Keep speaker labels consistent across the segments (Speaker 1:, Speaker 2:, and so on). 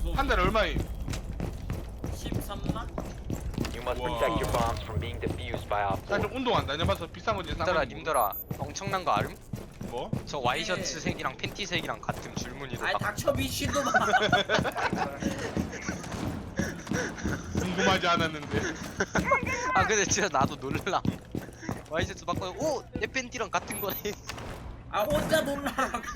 Speaker 1: 한 달에 얼마임?
Speaker 2: 13만?
Speaker 3: You must
Speaker 1: Wow.
Speaker 3: protect your bombs from being defused by Op
Speaker 1: 나
Speaker 3: 4.
Speaker 1: 좀 운동한다. 내가 봐서 비싼 거지.
Speaker 4: 님들아 엄청난 거 알음?
Speaker 1: 뭐?
Speaker 4: 저 와이셔츠 색이랑 팬티 색이랑 같은 줄무늬로
Speaker 2: 아이
Speaker 4: 막
Speaker 2: 닥쳐 미친놈아.
Speaker 1: 궁금하지 않았는데.
Speaker 4: 아 근데 진짜 나도 놀람. 와이셔츠 바꿔 오! 내 팬티랑 같은 거네.
Speaker 2: 아 혼자 놀라라고.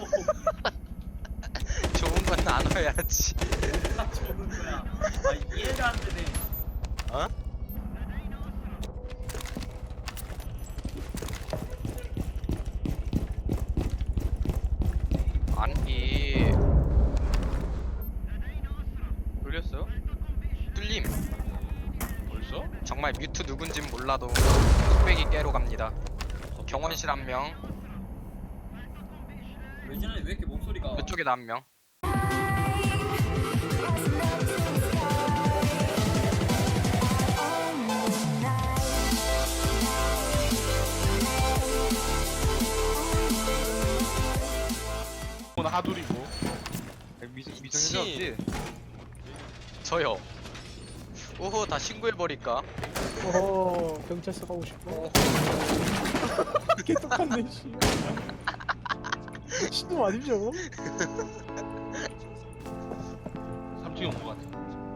Speaker 4: 좋은 건 나눠야지.
Speaker 2: 나 저는 거야. 아 이해가 안 되네.
Speaker 4: 어? 아니
Speaker 1: 돌렸어?
Speaker 4: 뚫림.
Speaker 1: 벌써?
Speaker 4: 정말 뮤트 누군진 몰라도 뚝배기 깨러 갑니다. 경원실 한 명,
Speaker 2: 왜지난해 왜 이렇게 목소리가?
Speaker 4: 이쪽에도 한 명.
Speaker 1: 오늘 하둘이고.
Speaker 4: 미친. 저요. 오호 다 신고해버릴까?
Speaker 5: 경찰서 가고 싶어.
Speaker 4: 오호.
Speaker 5: 이게 똑같네 씨. 신도 아니죠?
Speaker 1: 3층에 온거 같아.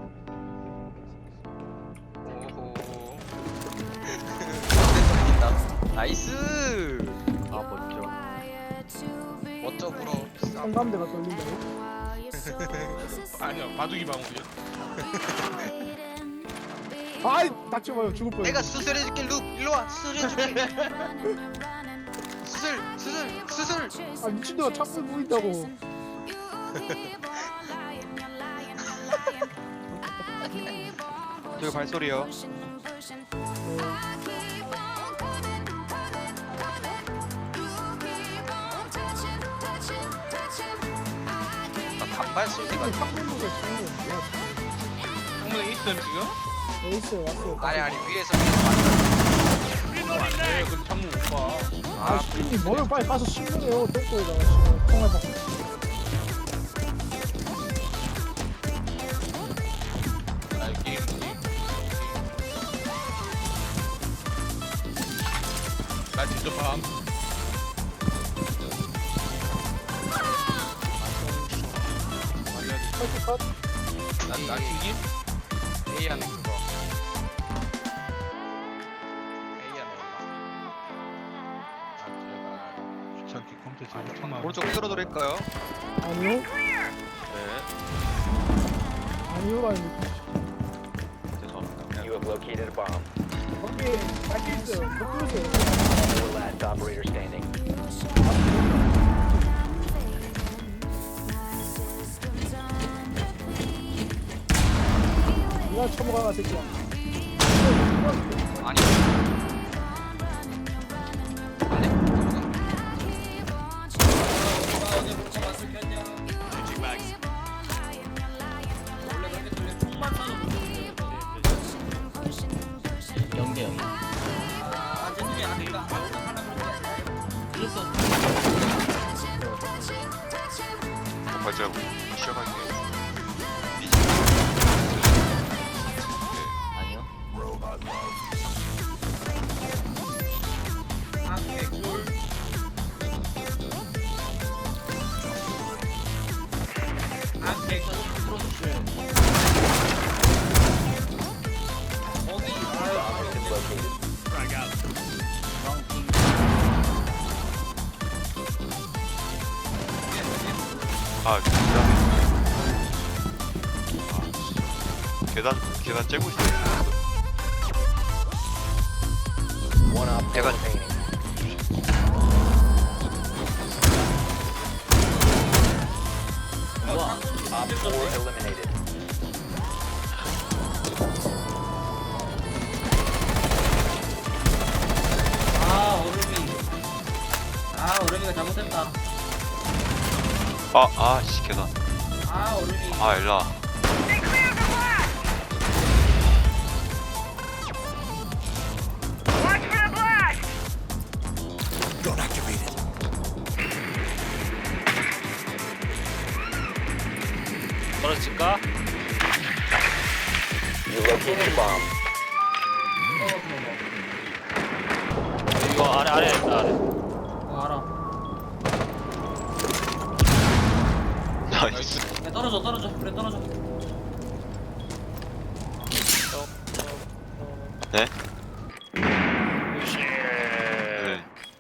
Speaker 4: 오호. 다 나이스.
Speaker 3: 아, 멋져.
Speaker 4: 멋져 불어.
Speaker 5: 상감대가 떨린다고?
Speaker 1: 아니야, 바둑이 방울이야.
Speaker 5: 아이 닥쳐봐요 죽을 뻔.
Speaker 4: 내가 수술해줄게 룩 일로 와 수술해줄게. 수술.
Speaker 5: 아 미친놈아 창문 보인다고.
Speaker 6: 저기 발소리요.
Speaker 4: 단발 소리가.
Speaker 5: 창문 보고 창문.
Speaker 1: 창문에 있음 지금?
Speaker 5: 네 있어요 왔어요.
Speaker 4: 아니 위에서
Speaker 1: 네, 그 창문 못 봐.
Speaker 5: 아 신님 뭐를 빨리 가서 신문해요 똥꼬에다가 지금 통화 받고.
Speaker 1: 아, 게임. 나 진짜 밤.
Speaker 5: 컷 컷.
Speaker 1: 나 튕김?
Speaker 4: A 안에 그거. A 안에 올라.
Speaker 1: 귀찮게 컴퓨터 제일 처음
Speaker 6: 오른쪽 끌어드릴까요?
Speaker 5: 아니요?
Speaker 6: 네.
Speaker 5: 아니요라니.
Speaker 6: 죄송합니다.
Speaker 3: You have located a bomb.
Speaker 5: 거기 밝혀 있어요. 못 들으세요.
Speaker 3: 4 last operator standing.
Speaker 5: 니가 처먹어가 새끼야.
Speaker 4: 아니.
Speaker 2: 어제 목차 왔을 켰냐? 원래 그렇게 들려 총만 쏴도
Speaker 7: 연계
Speaker 2: 아 죄송해요 안 된다. 하려고 그런 게 아니라.
Speaker 6: 맞아요. 시작할게요.
Speaker 7: 아니요.
Speaker 2: 아 개꿀. 아 개꿀. 어디?
Speaker 3: Bomb has been located.
Speaker 6: 아, 계단 째고 있어요.
Speaker 3: One op 4
Speaker 6: 내가-
Speaker 3: remaining. Op 4 eliminated.
Speaker 2: 아 얼음이. 아 얼음이가 잘못했다.
Speaker 6: 씨, 계단.
Speaker 2: 아 얼음이.
Speaker 6: 일로와.
Speaker 4: 떨어질까?
Speaker 7: 간다.
Speaker 3: You located a bomb.
Speaker 7: 이거 아래 있다 아래.
Speaker 2: 알아.
Speaker 6: 나이스.
Speaker 2: 야, 떨어져. 그래, 떨어져.
Speaker 6: 네?
Speaker 7: 으쌰.
Speaker 6: 네.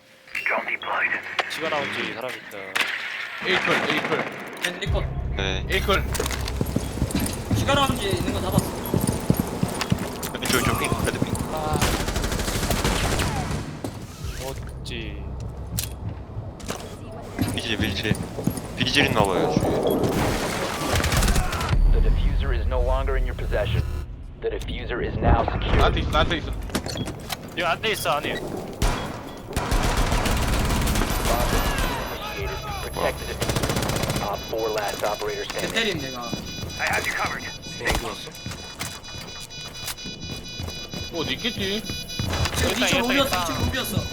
Speaker 7: 지가 나온지 사람 있다.
Speaker 1: 에이클
Speaker 2: 리컷.
Speaker 6: 네.
Speaker 1: 에이클.
Speaker 2: 시간 라운지 있는 거 잡았어.
Speaker 6: 저 핑, 레드 핑.
Speaker 7: 어찌.
Speaker 6: 비질 있나봐요, 주위에.
Speaker 3: The diffuser is no longer in your possession. The diffuser is now secure.
Speaker 1: 나한테 있어.
Speaker 7: 여기 안돼 있어 안에.
Speaker 3: Bomb initiated. Protect the diffuser. Op 4 last operator
Speaker 2: 걔
Speaker 3: standing.
Speaker 2: 때림 내가.
Speaker 1: 어디 있겠지?
Speaker 2: 지금
Speaker 7: 있다,
Speaker 2: 2층
Speaker 7: 있다,
Speaker 2: 로비였어.
Speaker 7: 있다.
Speaker 2: 2층 로비였어.